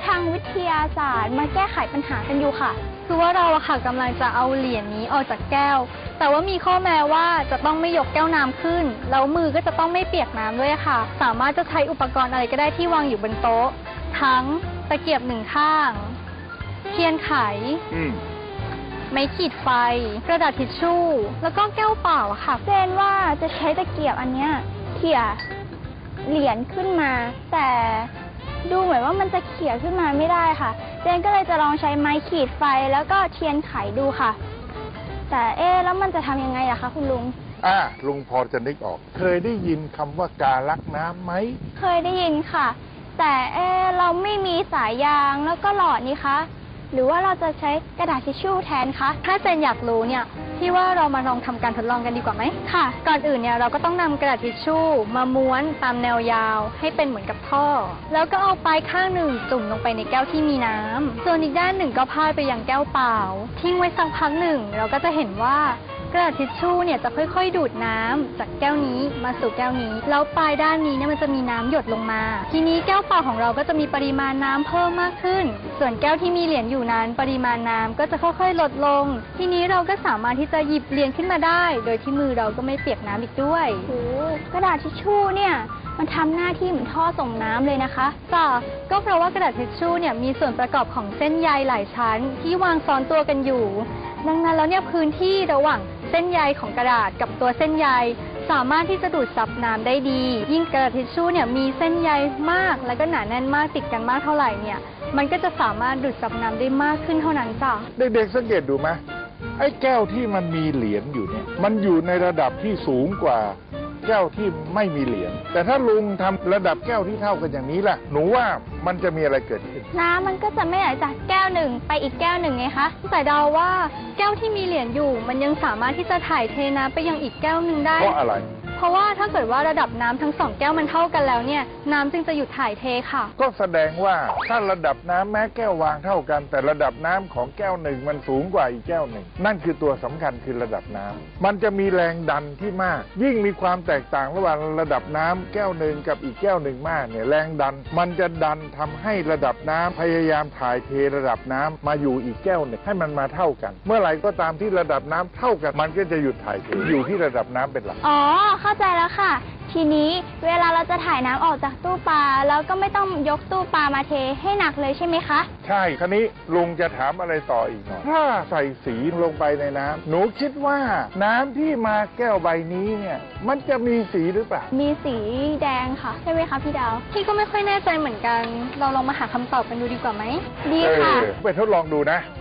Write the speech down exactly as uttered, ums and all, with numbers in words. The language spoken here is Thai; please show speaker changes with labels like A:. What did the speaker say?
A: ทางวิทยาศาสตร์มาแก้ไขปัญหากันอยู่ค่ะ
B: คือว่าเราอะค่ะกำลังจะเอาเหรียญนี้ออกจากแก้วแต่ว่ามีข้อแม้ว่าจะต้องไม่ยกแก้วน้ำขึ้นแล้วมือก็จะต้องไม่เปียกน้ำด้วยค่ะสามารถจะใช้อุปกรณ์อะไรก็ได้ที่วางอยู่บนโต๊ะทั้งตะเกียบหนึ่งข้างเทียนไขไม้ขีดไฟกระดาษทิชชู่แล้วก็แก้วเปล่าอะค่ะ
A: เจนว่าจะใช้ตะเกียบอันเนี้ยเขี่ยเหรียญขึ้นมาแต่ดูเหมือนว่ามันจะเขี่ยขึ้นมาไม่ได้ค่ะเจนก็เลยจะลองใช้ไม้ขีดไฟแล้วก็เทียนไขดูค่ะแต่เอ๊ะแล้วมันจะทำยังไงอะคะคุณลุง
C: อ่าลุงพอจะนึกออกเคยได้ยินคำว่ากาลักน้ำไหม
A: เคยได้ยินค่ะแต่เอ๊ะเราไม่มีสายยางแล้วก็หลอดนี่คะหรือว่าเราจะใช้กระดาษทิชชู่แทนคะ
B: ถ้าเจนอยากรู้เนี่ยพี่ว่าเรามาลองทำการทดลองกันดีกว่าไหมค่ะก่อนอื่นเนี่ยเราก็ต้องนำกระดาษทิชชู่มาม้วนตามแนวยาวให้เป็นเหมือนกับท่อแล้วก็เอาปลายข้างหนึ่งจุ่มลงไปในแก้วที่มีน้ำส่วนอีกด้านหนึ่งก็พาดไปยังแก้วเปล่าทิ้งไว้สักพักหนึ่งเราก็จะเห็นว่ากระดาษทิชชู่เนี่ยจะค่อยๆดูดน้ำจากแก้วนี้มาสู่แก้วนี้แล้วปลายด้านนี้เนี่ยมันจะมีน้ำหยดลงมาทีนี้แก้วเปล่าของเราก็จะมีปริมาณน้ำเพิ่มมากขึ้นส่วนแก้วที่มีเหรียญอยู่นั้นปริมาณน้ำก็จะค่อยๆลดลงทีนี้เราก็สามารถที่จะหยิบเหรียญขึ้นมาได้โดยที่มือเราก็ไม่เปียกน้ำอีกด้วย
A: โอ้กระดาษทิชชู่เนี่ยมันทำหน้าที่เหมือนท่อส่งน้ำเลยนะคะ
B: จ้ะก็เพราะว่ากระดาษทิชชู่เนี่ยมีส่วนประกอบของเส้นใยหลายชั้นที่วางซ้อนตัวกันอยู่ดังนั้นแล้วเนี่ยพื้นที่ระหว่างเส้นใยของกระดาษกับตัวเส้นใยสามารถที่จะดูดซับน้ำได้ดียิ่งกระดาษทิชชู่เนี่ยมีเส้นใยมากและก็หนาแน่นมากติดกันมากเท่าไหร่เนี่ยมันก็จะสามารถดูดซับน้ำได้มากขึ้นเท่านั้นจ้ะ
C: เด็กๆสังเกตดูไหมไอ้แก้วที่มันมีเหรียญอยู่เนี่ยมันอยู่ในระดับที่สูงกว่าแก้วที่ไม่มีเหรียญแต่ถ้าลุงทำระดับแก้วที่เท่ากันอย่างนี้ล่ะหนูว่ามันจะมีอะไรเกิดขึ้น
A: น้ำมันก็จะไม่ไหลจากแก้วหนึ่งไปอีกแก้วหนึ่งไงคะ
B: แต่เดาว่าแก้วที่มีเหรียญอยู่มันยังสามารถที่จะถ่ายเทน้ำไปยังอีกแก้วหนึ่งได้
C: เพราะอะไร
B: เพราะว่าถ้าเกิดว่าระดับน้ำทั้งสองแก้วมันเท่ากันแล้วเนี่ยน้ำจึงจะหยุดถ่ายเทค่ะ
C: ก็แสดงว่าถ้าระดับน้ำแม้แก้ววางเท่ากันแต่ระดับน้ำของแก้วหนึ่งมันสูงกว่าอีกแก้วหนึ่งนั่นคือตัวสำคัญคือระดับน้ำมันจะมีแรงดันที่มากยิ่งมีความแตกต่างระหว่างระดับน้ำแก้วหนึ่งกับอีกแก้วหนึ่งมากเนี่ยแรงดันมันจะดันทำให้ระดับน้ำพยายามถ่ายเทระดับน้ำมาอยู่อีกแก้วหนึ่งให้มันมาเท่ากันเมื่อไหร่ก็ตามที่ระดับน้ำเท่ากันมันก็จะหยุดถ่ายเทอยู่ที่ระดับน้ำเป็นหลัก
A: อ๋อเข้าใจแล้วค่ะทีนี้เวลาเราจะถ่ายน้ำออกจากตู้ปลาแล้วก็ไม่ต้องยกตู้ปลามาเทให้หนักเลยใช่ไหมคะ
C: ใช่คราวนี้ลุงจะถามอะไรต่ออีกหน่อยถ้าใส่สีลงไปในน้ำหนูคิดว่าน้ำที่มาแก้วใบนี้เนี่ยมันจะมีสีหรือเปล่า
A: มีสีแดงค่ะใช่ไหมคะพี่ดาว
B: พี่ก็ไม่ค่อยแน่ใจเหมือนกันเราลองมาหาคำตอบกันดูดีกว่าไหม
A: ดีค่ะ
C: ไปทดลองดูนะ